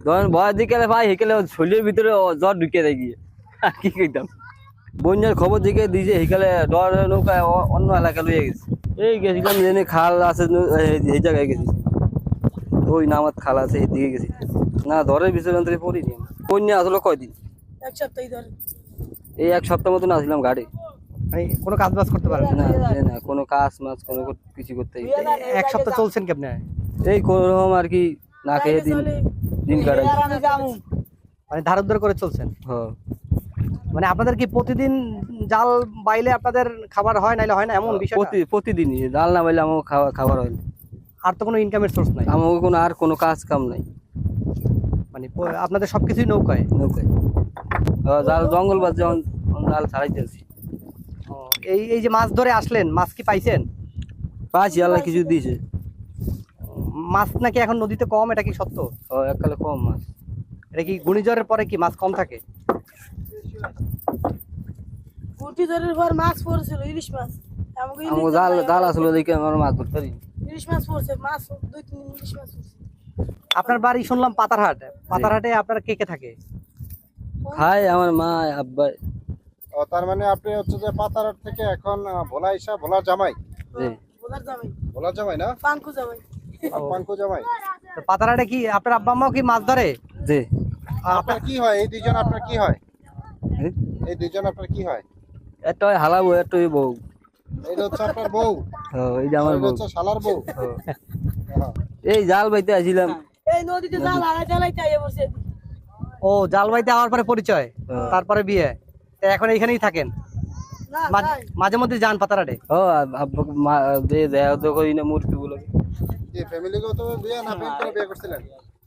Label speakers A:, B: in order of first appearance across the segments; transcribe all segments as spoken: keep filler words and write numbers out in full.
A: ধরেন ভয়ের দিকে ভাই হেকেলে শরীরের ভিতরে জ্বর ঢুকে যায় গিয়ে কি কইতাম। বন্যার খবর দিকে দিয়েছে হেকালে ডর নৌকায় অন্য এলাকা লইয়ে গেছে। এই গেছিলাম জেনে খাল আছে এই জায়গায় গেছি, ওই নামাত খাল আছে এই দিকে গেছি। না ধরের ভিতরে অন্তরে পড়িনি। বন্যা আসলে কয়দিন?
B: এক সপ্তাহ ধরে।
A: এই এক সপ্তাহ মতন আসলাম ঘাটে,
C: মানে কোনো কাজ বাজ করতে পারেন
A: না? না কোনো কাজ মাছ কোনো কিছু করতে।
C: এক সপ্তাহ চলছেন কি আপনি?
A: এই কোন রকম আর কি না খেয়ে দিন দিন কাটাই,
C: মানে ধার উদ্ধার করে চলছেন।
A: হ্যাঁ।
C: মানে আপনাদের কি প্রতিদিন জাল বাইলে আপনাদের খাবার হয় নাইলে হয় না এমন বিষয়?
A: প্রতি প্রতিদিনই জাল না বাইলে আমার খাওয়া খাবার হয় না।
C: আর তো কোনো ইনকামের সোর্স নাই?
A: আমার কোনো আর কোনো কাজ কাম নাই।
C: মানে আপনাদের সবকিছুই নৌকায়?
A: নৌকায় জাল জঙ্গল বাজ যেমন জাল ছাড়াইতেছি।
C: এই এই যে মাছ ধরে আসলেন, মাছ কি পাইছেন?
A: পাইছি, আল্লাহ কিছু দিয়েছে।
C: মাছ নাকি এখন নদীতে কম, এটা কি সত্য?
A: ও এককালে কম মাছ।
C: এটা কি ঘূর্ণিঝড়ের পরে কি মাছ কম থাকে?
B: ঘূর্ণিঝড়ের পর মাছ পড়ছিল, ইলিশ মাছ।
A: আমার জাল জাল আসলে দেখে আমার মাছ ধরতে পারি।
B: ইলিশ মাছ পড়ছে, মাছ দুই তিন ইলিশ মাছ পড়ছে।
C: আপনার বাড়ি শুনলাম পাতারহাট। পাতারহাটে আপনার কে কে থাকে?
A: খাই আমার মা আব্বা।
D: ও তার মানে আপনি হচ্ছে যে পাতারহাট থেকে এখন ভোলা ইসা ভোলার জামাই?
A: জি
B: ভোলার জামাই।
D: ভোলার জামাই না,
B: পাঙ্কু জামাই।
D: পাঙ্কু জামাই।
C: তো পাতারহাটে কি আপনার আব্বা আম্মাও কি মাছ ধরে?
A: জি।
D: আপনার কি হয় এই দুইজন? আপনার কি হয় এই দুইজন? আপনার কি হয়?
A: একটা হালা বউ, একটা বউ।
D: এইটা হচ্ছে আপনার বউ?
A: হ্যাঁ এই যে আমার বউ,
D: হচ্ছে শালার বউ।
A: এই জাল বাইতে আসিলাম।
B: এই নদীতে জাল হারাই জ্বালাইতে আইয়া বসে।
C: ও জাল বাইতে আওয়ার পরে পরিচয়, তারপরে বিয়ে। তো এখন এইখানেই থাকেন?
B: না
C: মাঝে মধ্যে যান পাতারহাটে?
A: ও আব্বা মা দে দেয়া তো কই না মূর্তি গুলো।
D: এই ফ্যামিলিগত বিয়ে না প্রেম করে বিয়ে করছিলেন?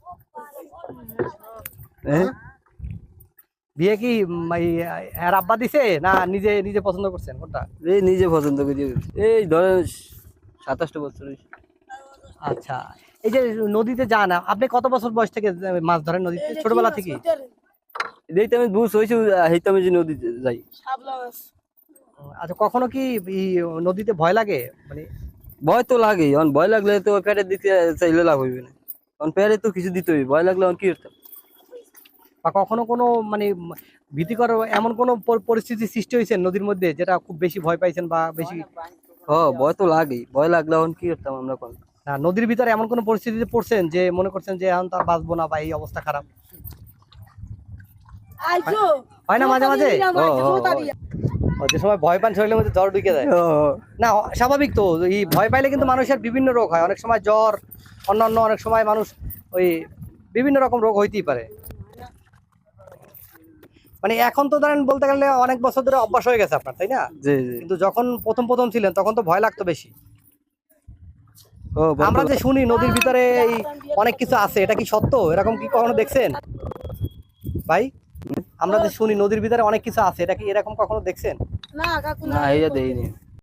A: হ্যাঁ
C: বিয়ে কি এর আব্বা দিছে না নিজে নিজে পছন্দ করছেন কোনটা?
A: এই নিজে পছন্দ করি। এই ধরেন সাতাশটা বছর।
C: আচ্ছা, এই যে নদীতে যান আপনি কত বছর বয়স থেকে মাছ ধরেন নদীতে? ছোটবেলা থেকে?
A: দেখতে আমি বুঝ হয়েছি হইতে আমি যে নদীতে যাই।
B: শাপলা মাছ।
C: আচ্ছা, কখনো কি নদীতে ভয় লাগে? মানে
A: ভয় তো লাগে, এখন ভয় লাগলে তো পেটের দিতে চাইলে লাভ হইবে না, কারণ পেটে তো কিছু দিতে হইবে। ভয় লাগলে কি করতাম?
C: বা কখনো কোনো মানে ভীতিকর এমন কোনো পরিস্থিতি সৃষ্টি হয়েছে নদীর মধ্যে যেটা খুব বেশি ভয় পাইছেন বা বেশি?
A: হ্যাঁ ভয় তো লাগেই, ভয় লাগলে এখন কি করতাম আমরা? কোন
C: না নদীর ভিতরে এমন কোনো পরিস্থিতিতে পড়ছেন যে মনে করছেন যে এখন তার বাঁচবো না বা এই অবস্থা খারাপ?
B: আইছো
C: হয় না মাঝে মাঝে? যে সময় ভয় পান শরীরের মধ্যে জ্বর ঢুকে যায় না? স্বাভাবিক তো, এই ভয় পাইলে কিন্তু মানুষের বিভিন্ন রোগ হয়। অনেক সময় জ্বর, অন্যান্য অনেক সময় মানুষ ওই বিভিন্ন রকম রোগ হইতেই পারে। মানে এখন তো ধরেন বলতে গেলে অনেক বছর ধরে অভ্যাস হয়ে গেছে আপনার, তাই না?
A: জি জি।
C: কিন্তু যখন প্রথম প্রথম ছিলেন তখন তো ভয় লাগতো বেশি। আমরা যে শুনি নদীর ভিতরে এই অনেক কিছু আছে, এটা কি সত্য? এরকম কি কখনো দেখছেন ভাই? আমরা যে শুনি নদীর ভিতরে অনেক কিছু আছে, এটা কি এরকম কখনো দেখছেন?
B: না কাকু
A: না, এটা দেইনি।